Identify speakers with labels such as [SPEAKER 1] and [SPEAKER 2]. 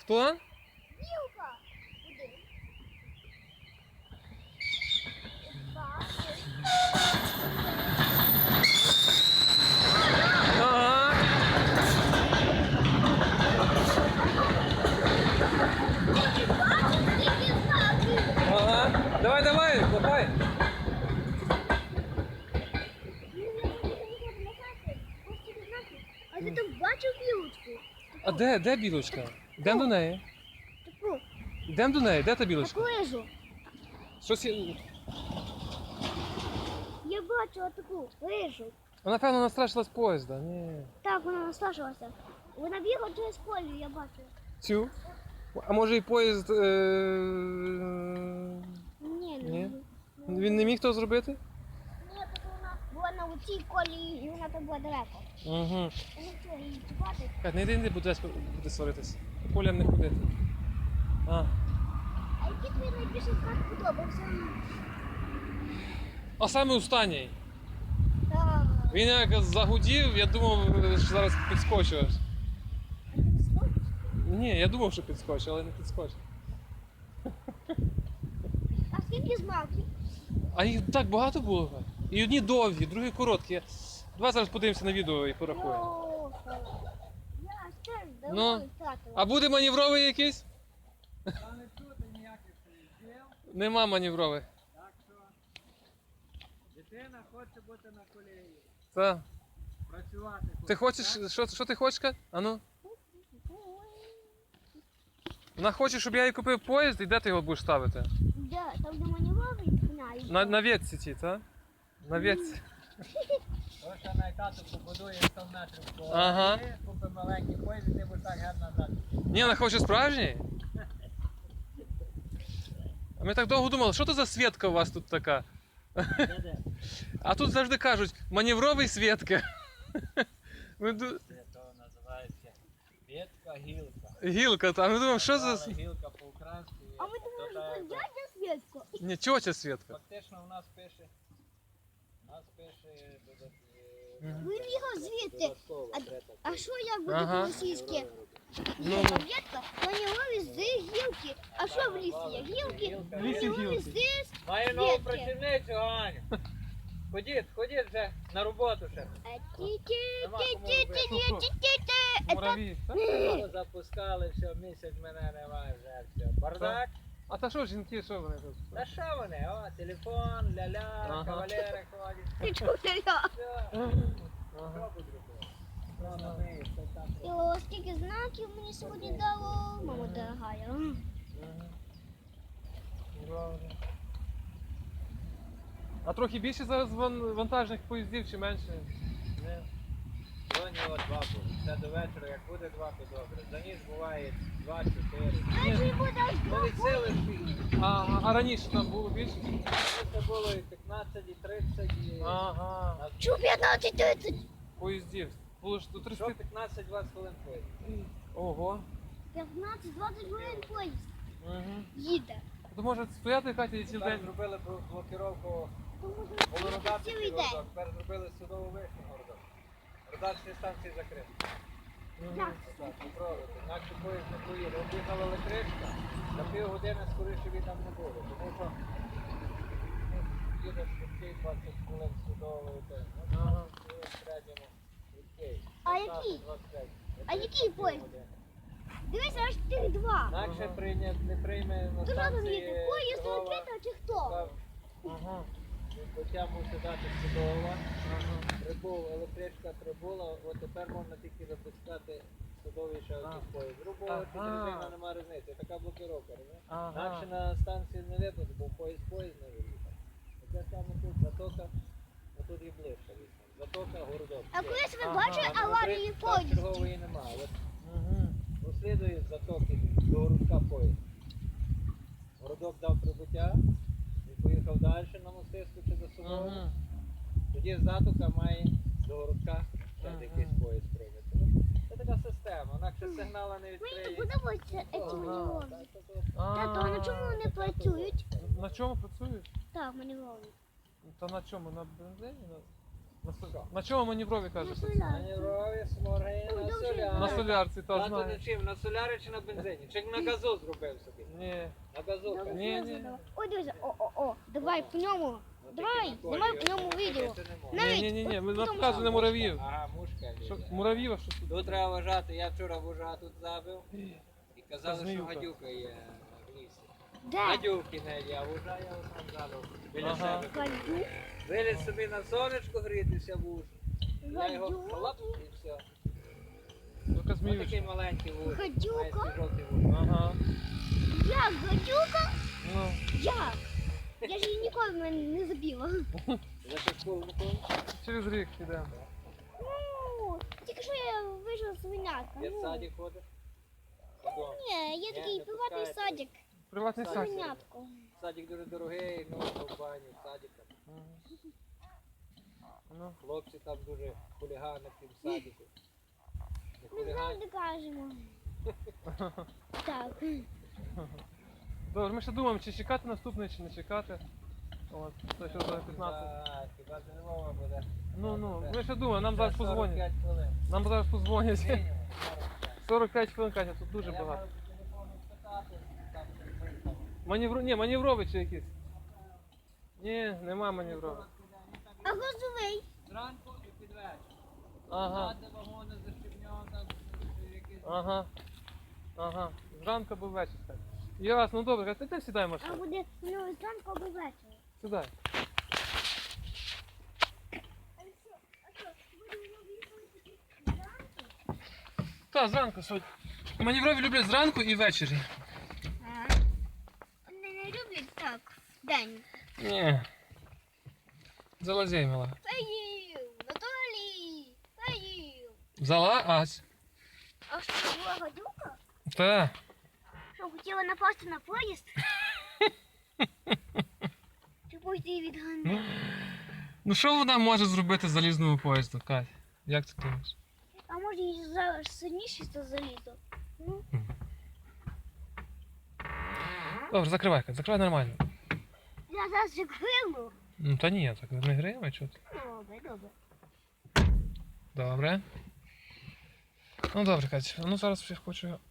[SPEAKER 1] Хто?
[SPEAKER 2] Білка. Один. Два.
[SPEAKER 1] Ага. Ага. Давай, давай, давай.
[SPEAKER 2] А ти там бачив білочку?
[SPEAKER 1] А де білочка? Йдемо до неї.
[SPEAKER 2] Таку.
[SPEAKER 1] Йдемо до неї, де та білочка?
[SPEAKER 2] Таку лижу.
[SPEAKER 1] Щось є...
[SPEAKER 2] Я бачила таку лижу.
[SPEAKER 1] Вона, певно, настрашила з поїзда. Ні.
[SPEAKER 2] Так, вона наслажувалася. Вона бігла через колію, я бачила.
[SPEAKER 1] Цю? А може і поїзд...
[SPEAKER 2] Ні,
[SPEAKER 1] Ні? Він не міг того зробити?
[SPEAKER 2] Ні, так вона була на оцій колії, і вона там була далеко.
[SPEAKER 1] Угу.
[SPEAKER 2] Я не хотіла її чіпати.
[SPEAKER 1] Кать, не йди, не буде сваритись. Полям не ходити. А.
[SPEAKER 2] А який тобі найбільше знак подобався?
[SPEAKER 1] А саме останній.
[SPEAKER 2] Так.
[SPEAKER 1] Він як загудів, я думав, що зараз підскочиш.
[SPEAKER 2] А ти вискочиш?
[SPEAKER 1] Ні, я думав, що підскочиш, але не підскочив.
[SPEAKER 2] А скільки знаків?
[SPEAKER 1] А їх так багато було. Кать. І одні довгі, другі короткі. Давай зараз подивимося на відео і порахуємо.
[SPEAKER 2] Йоха. Я ж теж
[SPEAKER 1] Ну,
[SPEAKER 2] давно втратила.
[SPEAKER 1] А буде маневровий якийсь?
[SPEAKER 3] Та не чути ніяких слів,
[SPEAKER 1] Нема маневрових.
[SPEAKER 3] так що дитина хоче бути на колії,
[SPEAKER 1] Так.
[SPEAKER 3] працювати хоче.
[SPEAKER 1] Ти хочеш, що ти хочеш, Кать? А ну? Вона хоче, щоб я їй купив поїзд, і де ти його будеш ставити?
[SPEAKER 2] Де? Там де маневровий знаю.
[SPEAKER 1] На ветці ці, так? На ветці.
[SPEAKER 3] Ось що на тату побудує 100 метрів по
[SPEAKER 1] Ага.
[SPEAKER 3] колії, купить маленький поїзд, і ти будеш так гарно назад.
[SPEAKER 1] Ні, вона хоче справжній. А ми так довго думали, що то за Свєтка у вас тут така?
[SPEAKER 3] Де?
[SPEAKER 1] А тут завжди кажуть, маневровий Свєтка. Ми
[SPEAKER 3] Це то називається ветка, гілка.
[SPEAKER 1] Гілка там, ми думаємо, що за...
[SPEAKER 3] Назвали гілка по-українськи.
[SPEAKER 2] А ми думали, що це дядя Свєтко.
[SPEAKER 1] Ні, тьотя Свєтка.
[SPEAKER 3] Фактично у нас пише
[SPEAKER 2] Ви їхав звідти.
[SPEAKER 3] додатково.
[SPEAKER 2] А що як буде
[SPEAKER 1] Ага.
[SPEAKER 2] по-російськи?
[SPEAKER 1] Ну,
[SPEAKER 2] Є таблетка, маневровий з гілки. А що в лісі є? Гілки,
[SPEAKER 1] В лісі
[SPEAKER 2] маневровий
[SPEAKER 1] гілки.
[SPEAKER 2] з
[SPEAKER 3] Маю нову
[SPEAKER 2] Свєтки.
[SPEAKER 3] працівницю, Аню. Ходіть вже на роботу ще.
[SPEAKER 1] мураві. так?
[SPEAKER 3] Запускали, все, місяць мене немає вже, все. Бардак.
[SPEAKER 1] А та що жінки, що вони тут?
[SPEAKER 3] Та що вони? О, телефон, ля-ля,
[SPEAKER 1] Ага.
[SPEAKER 3] кавалери ходять.
[SPEAKER 2] Ти чого?
[SPEAKER 3] Все.
[SPEAKER 1] Ага.
[SPEAKER 3] Що будуть робити? Що на неї, що там?
[SPEAKER 2] І о, скільки знаків мені сьогодні дало, мама дорогая.
[SPEAKER 1] Добре. А трохи більше зараз вантажних поїздів чи менше?
[SPEAKER 3] Не. Сьогодні от 2 буде. Це до вечора, як буде 2, то добре. За ніч буває 2-4.
[SPEAKER 2] Знаєш, і буде аж
[SPEAKER 3] Ну від сили ж.
[SPEAKER 1] А раніше там було більше?
[SPEAKER 3] Це було і 15, і 30, і...
[SPEAKER 1] Ага.
[SPEAKER 2] Чу 15-30.
[SPEAKER 1] Поїздів. Було ж до 30.
[SPEAKER 3] Що 15-20 хвилин поїзд?
[SPEAKER 1] Ого.
[SPEAKER 2] 15-20 хвилин поїзд
[SPEAKER 1] Угу.
[SPEAKER 2] їде.
[SPEAKER 1] То може стояти Катя і цілий
[SPEAKER 3] Тепер
[SPEAKER 1] день?
[SPEAKER 3] зробили блокировку
[SPEAKER 2] Тому
[SPEAKER 3] Волгоград
[SPEAKER 2] цілий
[SPEAKER 3] такий
[SPEAKER 2] день.
[SPEAKER 3] городок, тепер зробили судову вишню городок. Родачні станції закриті.
[SPEAKER 2] Так.
[SPEAKER 3] Так, попробуйте. Інакше поїзд не поїде. Об'їхала електричка, за півгодини скоріше він там не буде. Тому що їдеш швидкий 20 хвилин судової теми.
[SPEAKER 1] Ага.
[SPEAKER 3] В середньому швидкий.
[SPEAKER 2] А який?
[SPEAKER 3] 25.
[SPEAKER 2] А який поїзд? Дивися, аж тих два.
[SPEAKER 3] Інакше
[SPEAKER 1] Ага.
[SPEAKER 3] не прийме на
[SPEAKER 2] Ти що
[SPEAKER 3] станції
[SPEAKER 2] розумієте, поїзд
[SPEAKER 3] Львова,
[SPEAKER 2] відкрита чи хто?
[SPEAKER 3] сказав,
[SPEAKER 1] Ага.
[SPEAKER 3] Хоча мусить дати судова.
[SPEAKER 1] Ага.
[SPEAKER 3] Прибув, електричка прибула, от тепер можна тільки випускати судовий ще один поїзд. Грубо
[SPEAKER 1] Ага.
[SPEAKER 3] чи дрезина немає різниці, така блокировка, розумієш?
[SPEAKER 1] Ага.
[SPEAKER 3] Інакше на станції не випадку, бо поїзд не виїхав. Таке саме тут затока, а тут і ближче вісім. Затока, городок.
[SPEAKER 2] А колись ви
[SPEAKER 1] Ага.
[SPEAKER 2] бачили аварії поїздів?
[SPEAKER 3] Чергової немає. От
[SPEAKER 1] Угу.
[SPEAKER 3] розслідує з затоки до городка поїзд. Городок дав прибуття, він поїхав далі на мостисту чи до Сурової.
[SPEAKER 1] Угу.
[SPEAKER 3] Тоді затока має до городка ще
[SPEAKER 1] Ага.
[SPEAKER 3] якийсь поїзд прийняти. Ну, це така система, інакше сигнала не
[SPEAKER 2] Мені
[SPEAKER 3] відкриє.
[SPEAKER 2] не подобаються ці
[SPEAKER 1] Ага.
[SPEAKER 2] маневрові.
[SPEAKER 3] Так, то-
[SPEAKER 2] Тато, а на чому вони працюють?
[SPEAKER 1] На чому працюєш?
[SPEAKER 2] Так, маневрові.
[SPEAKER 1] Та на чому? На бензині? На чому маніврові кажете?
[SPEAKER 3] Маневрові, сморги, на
[SPEAKER 2] Ой,
[SPEAKER 3] солярі.
[SPEAKER 1] На солярці, та
[SPEAKER 3] Тато
[SPEAKER 1] знаю.
[SPEAKER 3] на чим? На солярі чи на бензині? Чи на газу зробив собі?
[SPEAKER 1] Ні.
[SPEAKER 3] На газу.
[SPEAKER 2] Добре,
[SPEAKER 1] Ні,
[SPEAKER 2] добре,
[SPEAKER 1] ні.
[SPEAKER 2] добре. Ой, дивися, о, давай по ньому.
[SPEAKER 3] Ну,
[SPEAKER 2] Давай,
[SPEAKER 3] тільки на
[SPEAKER 2] знімай
[SPEAKER 3] колі,
[SPEAKER 2] по ньому відео.
[SPEAKER 3] ходити не можна.
[SPEAKER 2] Навіть
[SPEAKER 1] Ні, ми
[SPEAKER 2] потім
[SPEAKER 1] показуємо
[SPEAKER 2] сам.
[SPEAKER 1] муравів.
[SPEAKER 3] Ага, мушка.
[SPEAKER 1] Що,
[SPEAKER 3] лізе.
[SPEAKER 1] муравів, а що тут?
[SPEAKER 3] Тут треба вважати, я вчора вужа тут забив і казали, що
[SPEAKER 1] зміюка.
[SPEAKER 3] гадюка є в лісі.
[SPEAKER 2] Де?
[SPEAKER 3] Гадюки не є, а вужа я сам забив біля
[SPEAKER 1] Ага.
[SPEAKER 3] себе.
[SPEAKER 2] Гадюк.
[SPEAKER 3] Виліз собі на сонечко грітися вуж. Я його
[SPEAKER 2] Гадюк.
[SPEAKER 3] хлоп і все.
[SPEAKER 1] Така
[SPEAKER 3] Ось такий
[SPEAKER 1] зміючка.
[SPEAKER 3] маленький вуж.
[SPEAKER 2] Гадюка?
[SPEAKER 3] Має жовтий вуж.
[SPEAKER 1] Ага.
[SPEAKER 2] Як гадюка?
[SPEAKER 1] Ну,
[SPEAKER 2] Як? Я ж її ніколи не забила.
[SPEAKER 3] За що школу не ходиш?
[SPEAKER 1] через рік підемо.
[SPEAKER 2] Ну, тільки що я вийшла з свинятка.
[SPEAKER 3] Я в
[SPEAKER 2] Ну.
[SPEAKER 3] саді ходиш? Додому.
[SPEAKER 2] Ні, є такий
[SPEAKER 3] не
[SPEAKER 2] приватний
[SPEAKER 3] пускаєте.
[SPEAKER 2] садик.
[SPEAKER 1] Приватний
[SPEAKER 3] Так.
[SPEAKER 1] садик.
[SPEAKER 2] Свинятко.
[SPEAKER 3] Садик дуже дорогий, ну, в баню, садика.
[SPEAKER 1] Ну,
[SPEAKER 3] Хлопці там дуже хулігани в тім садику. Не
[SPEAKER 2] Ми
[SPEAKER 3] хулігани.
[SPEAKER 2] завжди кажемо. Так.
[SPEAKER 1] добре, ми ще думаємо, чи чекати наступний, чи не чекати. От, це що за 15.
[SPEAKER 3] Так, хіба це не мова буде.
[SPEAKER 1] Ну, ми ще думаємо, нам зараз позвонять.
[SPEAKER 3] 45 хвилин.
[SPEAKER 1] Нам зараз позвонять.
[SPEAKER 3] Мінімум.
[SPEAKER 1] 45 хвилин, Катя, тут дуже
[SPEAKER 3] Я
[SPEAKER 1] багато.
[SPEAKER 3] маю по телефону спитати, там щось виїхало.
[SPEAKER 1] Ні, маніврові чи якісь? Ні, нема маніврових.
[SPEAKER 2] А грузовий?
[SPEAKER 3] Зранку і під вечір.
[SPEAKER 1] Ага,
[SPEAKER 3] Ззади вагони защебньо, там якісь...
[SPEAKER 1] ага. Зранку або ввечері. так. Ясно, ну добре, ти сідай в
[SPEAKER 2] А
[SPEAKER 1] машину.
[SPEAKER 2] буде ну, зранку або ввечері.
[SPEAKER 1] Сідай. Так, зранку сьогодні. Маніврові люблять зранку і ввечері.
[SPEAKER 2] Вони не люблять так. День.
[SPEAKER 1] Ні. Залазей, мила.
[SPEAKER 2] Поїв! Наталі! Поїв!
[SPEAKER 1] Взяла ась.
[SPEAKER 2] А що, була гадюка?
[SPEAKER 1] Та.
[SPEAKER 2] Що, хотіла напасти на поїзд? Чи поїзд відганяє?
[SPEAKER 1] Ну що вона може зробити з залізному поїзду, Кать? Як ти думаєш?
[SPEAKER 2] А може їй сильніше за залізо? Ну,
[SPEAKER 1] Добре, закривай, Кать, закривай нормально.
[SPEAKER 2] я зараз же грилу.
[SPEAKER 1] Ну та ні, так не гриємо, чого ти?
[SPEAKER 2] Добре, добре.
[SPEAKER 1] Добре. Ну добре, Кать, ну зараз я хочу